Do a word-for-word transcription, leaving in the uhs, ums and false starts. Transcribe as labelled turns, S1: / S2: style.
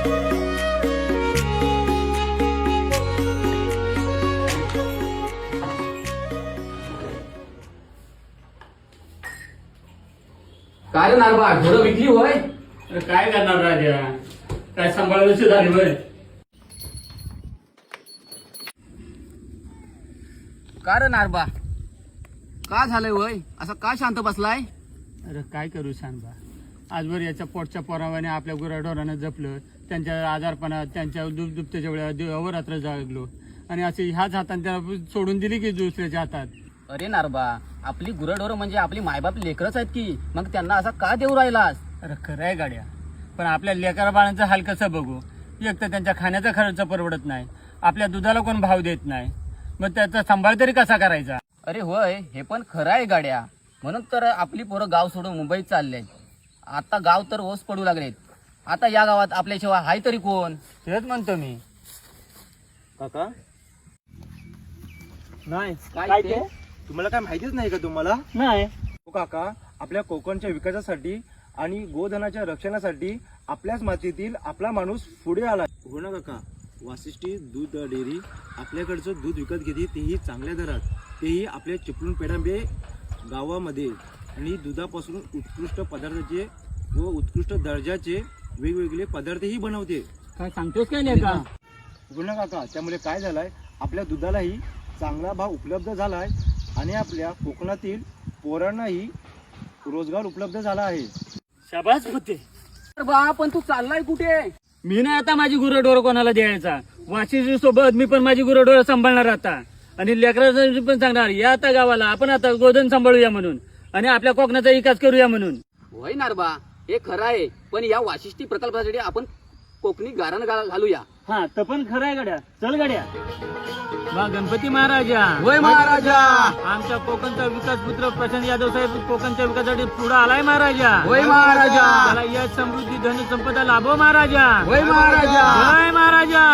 S1: काय रे नारबा ढोरं विकली होय?
S2: अरे काय करणार राजा, काय सांभाळायची झाली होय.
S1: का रे नारबा का झालंय होय? असं का शांत बसलाय?
S2: अरे काय करू सांगा, आजवर याच्या पोटच्या पोरावाने आपल्या गुराढोरानं जपलं, त्यांच्या आजारपणात त्यांच्या दुप दुपत्याच्या वेळा अवरात्र जागलो आणि असे ह्याच हाताने त्याला सोडून दिली की दुसऱ्याच्या हातात.
S1: अरे नारबा आपली गुरढोरं म्हणजे आपली मायबाप लेकरच आहेत की, मग त्यांना असा का देऊ राहिलास?
S2: अरे खरं आहे गाड्या, पण आपल्या लेकरा बाळांचं हाल कसं बघू? एक तर त्यांच्या खाण्याचा खर्च परवडत नाही, आपल्या दुधाला कोण भाव देत नाही, मग त्याचा सांभाळ तरी कसा करायचा?
S1: अरे होय, हे पण खरं आहे गाड्या. म्हणून तर आपली पोरं गाव सोडून मुंबईत चालले. आता गाव तर ओस पडू लागलेत. आता या गावात आपल्याशिवाय हाय तरी कोण?
S2: तेच म्हणतो मी.
S3: काका नाही
S1: काय ते?
S3: तुम्हाला काय माहितीच नाही का? तुम्हाला
S2: नाही.
S3: हो काका, आपल्या कोकणच्या विकासासाठी आणि गोधनाच्या रक्षणासाठी आपल्याच मातीतील आपला माणूस पुढे आला. हो ना काका, वाशिष्ठी दूध डेअरी आपल्याकडचं दूध विकत घेते, तेही चांगल्या दरात, तेही आपल्या चिपळूण पेडांबे गावामध्ये, आणि दुधापासून उत्कृष्ट पदार्थाचे व उत्कृष्ट दर्जाचे वेगवेगळे पदार्थही बनवते.
S2: काय सांगतोस काय नाही का?
S3: हो ना काका, त्यामुळे काय झालंय, आपल्या दुधालाही चांगला भाव उपलब्ध झालाय आणि आपल्या कोकणातील पोरांनाही रोजगार उपलब्ध झाला आहे.
S2: शाबास होते.
S1: बा पण तू चाललाय कुठे?
S2: मी नाही आता माझी गुरढोर कोणाला द्यायचा. वाशिष्ठी सोबत मी पण माझी गुरढोर सांभाळणार आता, आणि लेकराचं पण सांगणार या आता गावाला आपण आता गोधन सांभाळूया म्हणून, आणि आपल्या कोकणाचा विकास करूया म्हणून.
S1: होय नारबा, हे खरं आहे, पण या वाशिष्ठी प्रकल्पासाठी आपण कोकणी गारण घा- घालूया.
S2: हा तर पण खरं आहे गड्या. चल गड्या. वा गणपती महाराजा.
S1: होय महाराजा.
S2: आमच्या कोकणचा विकास पुत्र प्रशांत यादव साहेब कोकणच्या विकासासाठी पुढे आलाय महाराजा.
S1: होय महाराजा.
S2: त्याला यश समृद्धी धन संपदा लाभो महाराजा.
S1: होय महाराजा.
S2: जय महाराजा.